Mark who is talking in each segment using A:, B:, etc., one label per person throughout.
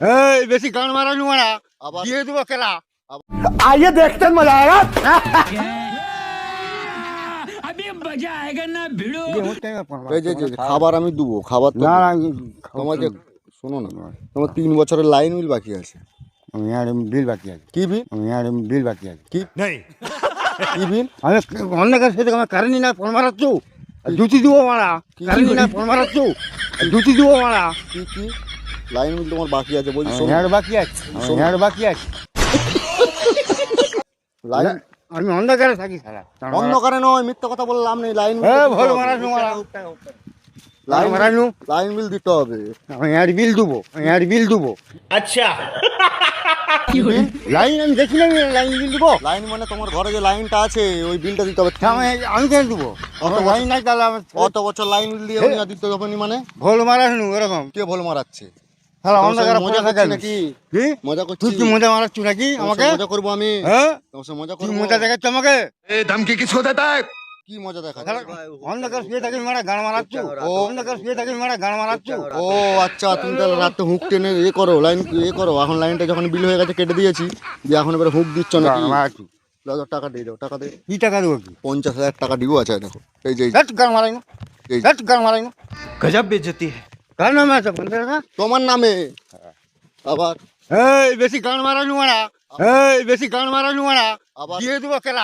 A: এই বেশি গান মারানি মারা
B: আবার
A: দিয়ে দেবো কেলা।
C: आइए देखते हैं, मजा आएगा।
B: এই যে খাবার আমি দেবো, খাবার তো
A: না না
B: তোমাকে শোনো না, তোমার 3 বছরের লাইন বিল বাকি আছে।
A: বিল বাকি আছে,
B: কি বিল?
A: বিল বাকি আছে।
B: কি কি বিল?
A: আমি অন্যের সাথে আমার কারেন্ট না ফোন মারাচ্ছ, জুতি দিব মারা। কারেন্ট না ফোন মারাচ্ছ, জুতি দিব মারা।
B: কি কি লাইন বিল তোমার বাকি আছে বলছি? শোনো,
A: বাকি আছে, বাকি আছে।
B: লাইন
A: আমি অন্ধকারে থাকি সারা।
B: অন্ধকারে নয়, মিথ্যা কথা বললাম নেই। লাইন
A: ভোল মারানো মারা,
B: লাইন
A: মারানো।
B: লাইন বিল দিতে হবে।
A: আমি বিল দেবো, বিল দেবো।
C: अच्छा
A: লাইন আমি দেখি না, লাইন বিল দেবো।
B: লাইন মানে তোমার ঘরে যে লাইনটা আছে ওই বিলটা দিতে হবে।
A: আমি কেন দেবো? লাইন নাই তাহলে আমার
B: কত বছর লাইন বিল দিয়ে আমি না দিতে হবে নি মানে?
A: ভোল মারানো এরকম।
B: কে ভোল মারাচ্ছে?
A: হ্যাঁ
B: তোমার
A: অন্ধকারে
B: সঙ্গে মজা
A: পড়ে থাকে
B: করছি নাকি?
A: কি
B: মজা করছি?
A: তুই কি মজা মারাচ্ছ নাকি
B: তোমার
A: আমাকে?
B: সঙ্গে মজা করবো আমি?
A: হ্যাঁ
B: তোমার সঙ্গে মজা
A: তুই
B: করবো?
A: মজা দেখাচ্ছ আমাকে?
C: धमकी किसको देता है?
B: কি মজা দেখা?
A: অন্ধকার শুয়ে থাকি মারা গান মারাচ্ছ। অন্ধকার শুয়ে থাকি মারা গান মারাচ্ছ।
B: ও আচ্ছা, তুমি তাহলে রাতে হুক টেনে করো, লাইন করো। এখন লাইনটা যখন বিল হয়ে গেছে কেটে দিয়েছি, দিয়ে এখন এবার হুক দিচ্ছ না?
A: গান মারাচ্ছ।
B: দাদা টাকা দিয়ে দাও, টাকা দিয়ে।
A: কি টাকা দেবো? কি
B: 50,000 টাকা দিব আছে দেখো। এই যে
A: গান মারাই না,
B: এই
A: গান মারাই না।
C: गजब बेइज्जती है।
A: গান নামে আছে 50 টাকা।
B: তোমার নামে আবার
A: এই বেশি গান মারানি মারা, এই বেশি গান মারানি মারা
B: আবার
A: দিয়ে দেবো কেলা।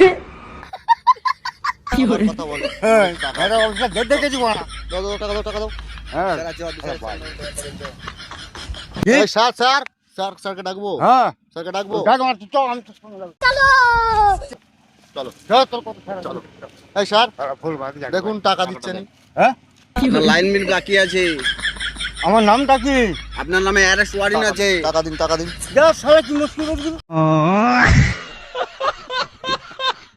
B: আবার কথা বলো।
A: হ্যাঁ
B: টাকা
A: এটা অবস্থা দেখেছি মারা।
B: দাও, দাও, টাকা দাও, টাকা দাও।
A: হ্যাঁ
B: এই স্যার স্যার স্যার স্যারকে ডাকবো?
A: হ্যাঁ
B: স্যারকে ডাকবো?
A: ডাক আমার তো আমি তো শুনে যাবো।
B: চলো
A: চল তোর কথা
B: চলো। এই স্যার
A: ফুল বাকি যাক।
B: দেখুন টাকা দিচ্ছে নি।
A: হ্যাঁ
D: আপনার লাইন বিল বাকি আছে,
A: আমার নামটা কি?
D: আপনার নামে অ্যারেস্ট ওয়ারেন্ট আছে।
B: টাকা দিন, টাকা দিন।
A: যা সারা কি মুশকিল করে দিবি।